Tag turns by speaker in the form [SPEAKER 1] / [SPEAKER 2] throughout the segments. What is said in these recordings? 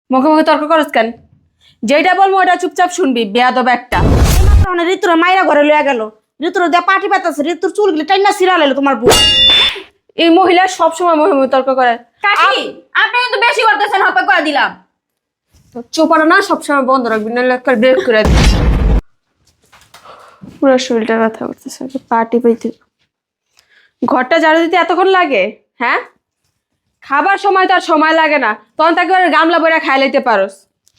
[SPEAKER 1] মুখে মুখে তর্ক করস কেন? যেটা বলবো ওটা চুপচাপ শুনবি, বেয়াদব একটা।
[SPEAKER 2] ঋতুর মাইরা ঘরে লইয়া গেল, ঋতুর দেয়া পাটি পাতাছে, ঋতুর চুলগুলি টাইনা ছিঁড়া লাইলো তোমার বউ।
[SPEAKER 1] এই মহিলা সবসময় মুখে মুখে তর্ক করে।
[SPEAKER 3] কাকি আপনি কিন্তু বেশি করতেছেন, হপে করে দিলাম।
[SPEAKER 1] তো চোপাটা না সবসময় বন্ধ রাখবি, নাহলে একটা ব্রেক করে দিবি। পুরো শরীরটা ব্যথা করতেছে, পাটি পাইতে। ঘরটা ঝাড়ু দিতে এতক্ষণ লাগে? হ্যাঁ, খাবার সময় তো আর সময় লাগে না, তখন তাকে গামলা বইরা খাই লাইতে পারোস।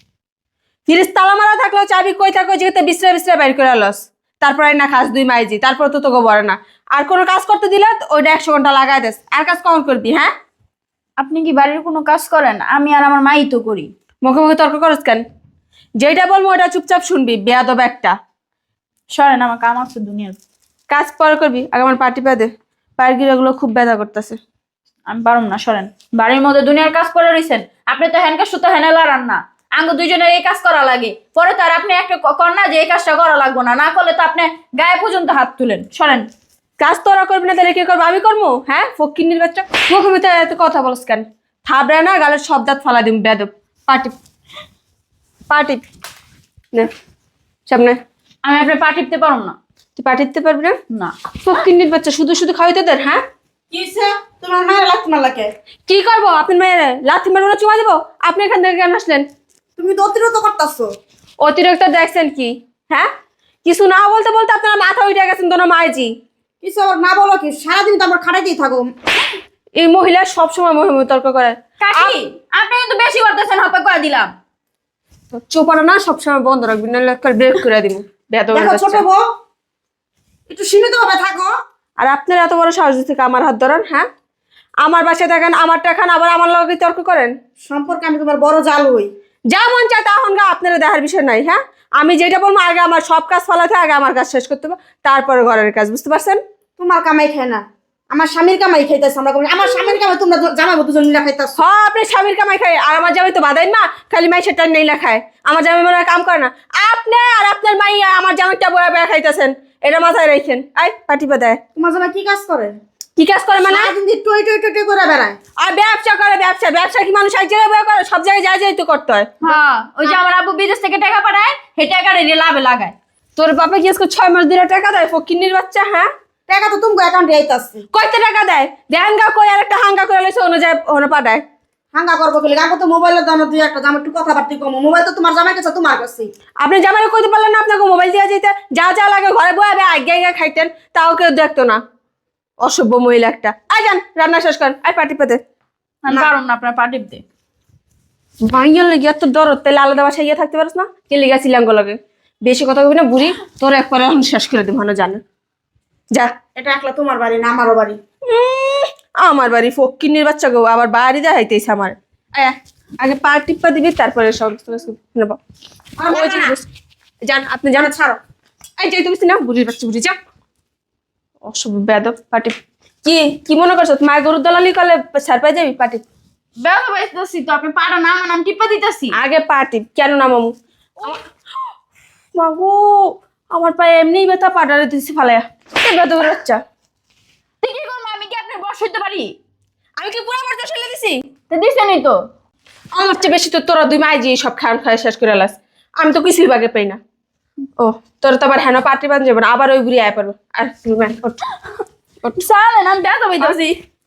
[SPEAKER 1] ফ্রিজ তালা মারা থাকলেও চাবি কই থাকো যেতে বিশ্রে বিশ্রে বাইর করে লস। তারপরে না খাস দুই মাইজি, তারপর তো তোকে বলে না। আর কোনো কাজ করতে দিলে ওইটা 100 ঘন্টা লাগাই দেস, আর কাজ কখন করবি? হ্যাঁ,
[SPEAKER 3] আপনি কি বাড়ির কোনো কাজ করেন? আমি আর আমার মাই তো করি।
[SPEAKER 1] মুখে মুখে তর্ক করস কেন? যেটা বলবো ওটা চুপচাপ শুনবি, বেয়াদব একটা।
[SPEAKER 3] সরেন, আমার কাম আছে দুনিয়ার।
[SPEAKER 1] কাজ পরে করবি, আগে আমার পাটি পা দে। পায়ের গিরাগুলো খুব ব্যথা করতেছে।
[SPEAKER 3] আমি পারুম না, সরেন। বাড়ির মধ্যে দুনিয়ার কাজ করে রইছেন। আপনি তো হ্যানকা সুতো হেনে লড়ান না। আঙ্গ দুইজনের এই কাজ করা লাগে, পরে তো আর আপনি একটা কর না যে এই কাজটা করা লাগবো না, না করলে তো আপনি গায়ে পর্যন্ত হাত তুলেন। সরেন।
[SPEAKER 1] কাজ তোরা করবি না তাহলে কি করবো? আমি করবো? হ্যাঁ, ফকিন্নির বাচ্চা, মুখে মুখে এত কথা বলস কেন? থাবড়ে না গালের সব দাঁত ফালা দিম, বেয়াদব। পাটি পাটি নে সামনে।
[SPEAKER 3] আমি আপনার পা টিপতে পারুম না।
[SPEAKER 1] তুই পাঠিতে পারবি না?
[SPEAKER 3] না।
[SPEAKER 1] ফকিন্নির বাচ্চা, শুধু শুধু খাওয়াইতে তোদের। হ্যাঁ,
[SPEAKER 2] কিসে তোমার মায়ের লাগতো না লাগে?
[SPEAKER 1] কি করবো? আপনি মেয়ের লাথি মারবো না চুমা দিব? আপনি এখান থেকে কেন আসলেন?
[SPEAKER 2] তুমি তো অতিরিক্ত করতেছো।
[SPEAKER 1] অতিরিক্ত দেখছেন কি? হ্যাঁ, কিছু না বলতে বলতে আপনারা মাথা উঠে গেছেন তোর মাইজি।
[SPEAKER 2] কিছু আবার না বলো কি, সারাদিন তো আমার খাটাইতেই থাকো।
[SPEAKER 1] এই মহিলা সবসময় মুখে মুখে তর্ক করে।
[SPEAKER 3] কাকি আপনি কিন্তু বেশি করতেছেন, হপে করে দিলাম।
[SPEAKER 1] চোপাটা না সবসময় বন্ধ রাখবি, নাহলে একটা ব্রেক করে দিব।
[SPEAKER 2] দেখো ছোট বউ, একটু সীমিত ভাবে থাকো।
[SPEAKER 1] আর আপনার এত বড় সাহস থেকে আমার হাত ধরেন? হ্যাঁ, আমার বাসায় থাকেন, আমারটা খান, আবার আমার লগে তর্ক করেন।
[SPEAKER 2] সম্পর্কে আমি তোমার বড় জাল হই।
[SPEAKER 1] যা মন চায় তখন গা, আপনারা দেখার বিষয় নাই। হ্যাঁ, আমি যেটা বলবো আগে আমার সব কাজ ফলাতে, আগে আমার কাজ শেষ করতে হবে, তারপরে ঘরের কাজ। বুঝতে পারছেন?
[SPEAKER 2] তোমার কামাই খায় না, আমার স্বামীর কামাই খাইতেছে। আমরা আমার স্বামীর কামাই তোমরা জামাবো দুজন মিলা খাইতেছ।
[SPEAKER 1] হ্যাঁ, আপনি স্বামীর কামাই খায়, আর আমার জামাই তো বাদাই না, খালি মাই সেটা নেই না খায়। আমার জামাই মনে হয় কাম করে না। আপনি আর আপনার মাই আমার জামাইটা বয়া বয়া খাইতেছেন, এটা মাথায় রাখেন। আই পাটি পাতায়
[SPEAKER 2] তোমার জামাই কি কাজ করে?
[SPEAKER 1] কি কাজ করে মানে?
[SPEAKER 2] সারাদিন দিয়ে টই টই টই টই করে বেড়ায়।
[SPEAKER 1] আর ব্যবসা করে। ব্যবসা ব্যবসা কি মানুষ এক জায়গায় বয়া করে? সব জায়গায় যাই যাই তো করতে হয়।
[SPEAKER 3] হ্যাঁ, ওই যে আমার আব্বু বিদেশ থেকে টাকা পাঠায়, সেই টাকাটা নিয়ে লাভে লাগায়।
[SPEAKER 1] তোর বাপে কি আজকে 6 মাস ধরে টাকা দেয়? ফকিন্নির বাচ্চা। হ্যাঁ,
[SPEAKER 2] টাকা তো তুমি অ্যাকাউন্টে আইতাছে।
[SPEAKER 1] কয়তে টাকা দেয়? দেহাঙ্গা কই আর একটা হাঙ্গা করে লইছে অনুযায়ী ওনা পাঠায়।
[SPEAKER 2] হাঙ্গা করবো খেলে গাঙ্গো তো মোবাইলের দাম দুই একটা দাম একটু কথাবার্তি কম। মোবাইল তো তোমার জামাই কাছে, তোমার কাছে।
[SPEAKER 1] আপনি জামাই কইতে পারলেন না আপনাকে মোবাইল দিয়ে যেতে? যা যা লাগে ঘরে বয়ে আগে আগে আগে খাইতেন, তাও কেউ দেখতো না। অসভ্য মহিলা একটা। আই যান রান্না শেষ করেন, আই পাটি পেতে।
[SPEAKER 3] আমি পারুম না আপনার পা টিপতে।
[SPEAKER 1] ভাইয়ার লেগে এত দরদ, তাহলে আলাদা বাসায় গিয়ে থাকতে পারিস না? কে লেগেছিলাম লাগে? বেশি কথা কবি না বুড়ি, তোর একবারে এখন শেষ করে দিব না জানে। যা।
[SPEAKER 2] এটা একলা তোমার বাড়ি না আমারও বাড়ি।
[SPEAKER 1] আমার বাড়ি ফকিন্নির বাচ্চা গো, আবার বাড়ি দেখাইতেছে আমার। আয়, আগে পা টিপ্পা দিবি, তারপরে সব নেব। যান, আপনি জানেন।
[SPEAKER 2] ছাড়ো।
[SPEAKER 1] এই যাই তুমি না, বুড়ির বাচ্চা বুড়ি যা। অসভ্য বেদব পাটি। কি কি মনে করছো মায়ের গরুর দলালি করলে ছাড় পাই যাবি? পাটি
[SPEAKER 3] বেলা বাইতেছি তো, আপনি পাটা না আমার নাম টিপা দিতেছি।
[SPEAKER 1] আগে পাটি কেন না মামু? মাগো, আমার পায়ে এমনি ব্যথা, পাটারে দিচ্ছি ফালাইয়া। এই বেদবের বাচ্চা।
[SPEAKER 3] তুই কি করবো? আমি কি আপনার বস হইতে পারি?
[SPEAKER 1] আমি কি পুরো বাচ্চা ফেলে দিছি?
[SPEAKER 3] তো দিছেনই তো।
[SPEAKER 1] আমার চেয়ে বেশি তো তোরা দুই মাইজি সব খান খায় শেষ করে লাস। আমি তো কিছুই বাগে পাই না। ও, তোর তো আবার হেন পাটি বান যাবে না, আবার ওই ঘুরে আয় পারবো। আর
[SPEAKER 3] চালেন, আমি ব্যথা পাইতেছি।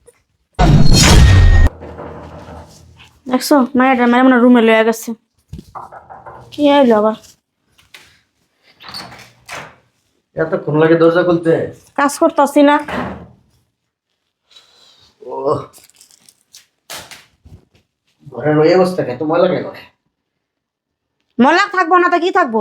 [SPEAKER 2] দেখছো মায়ের মানে মনে রুমে লয়ে গেছে। কি আইলো আবার?
[SPEAKER 4] এতক্ষণ লাগে দরজা খুলতে?
[SPEAKER 2] কাজ করতেছি না।
[SPEAKER 4] ও, ঘরের ওই অবস্থা এত ময়লা কেন?
[SPEAKER 2] মলাক থাকবো না তো কি থাকবো?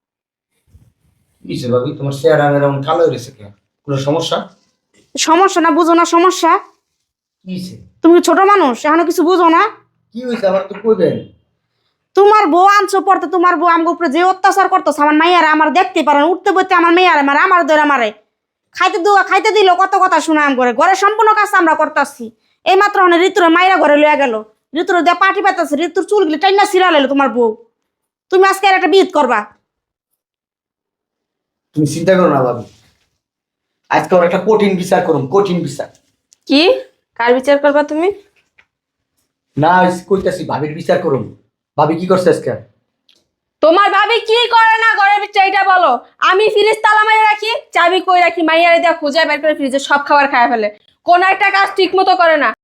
[SPEAKER 4] কিসে ভাবি তোমার চেহারা এরকম কালো হয়েছে কেন? কোনো সমস্যা?
[SPEAKER 2] সমস্যা না বুঝো না সমস্যা?
[SPEAKER 4] কিসে?
[SPEAKER 2] তুমি কি ছোট মানুষ এখনো কিছু বুঝো না?
[SPEAKER 4] কি হয়েছে আমার তো কইবেন।
[SPEAKER 2] তোমার বউ আনছো পড়তে, তোমার বউ আমার উপরে যে অত্যাচার করতেছে, আমার মাইয়ারে আমার দেখতে পারে না, উঠতে বইতে আমার মেয়ারে মারে, আমার ধরে মারে, খাইতে দিল কত কথা শুনাম করে। ঘরে সম্পূর্ণ কাজ আমরা করতেছি। এই মাত্র ঋতুর মাইরা ঘরে লইয়া গেল, ঋতুর দেয়া পাটি পাতাছে, ঋতুর চুলগুলি টাইনা ছিঁড়া লাইলো তোমার বউ। তুমি আজকে আর একটা বিয়ে করবা?
[SPEAKER 4] তুমি চিন্তা করো না ভাবি, আজকে ওর একটা কঠিন বিচার করুন, কঠিন বিচার।
[SPEAKER 1] কি কার বিচার করবা তুমি?
[SPEAKER 4] না কইতাছি ভাবির বিচার করুন। ভাবি কি করছে আজকে?
[SPEAKER 1] তোমার ভাবি কি করে না ঘরের ভিতরে এটা বলো। আমি ফ্রিজ তালা মেরে রাখি, চাবি কই রাখি, মাইয়ারে দিয়া খুঁজে বের করে ফ্রিজে সব খাবার খায় ফেলে। কোন একটা কাজ ঠিক মতো করে না।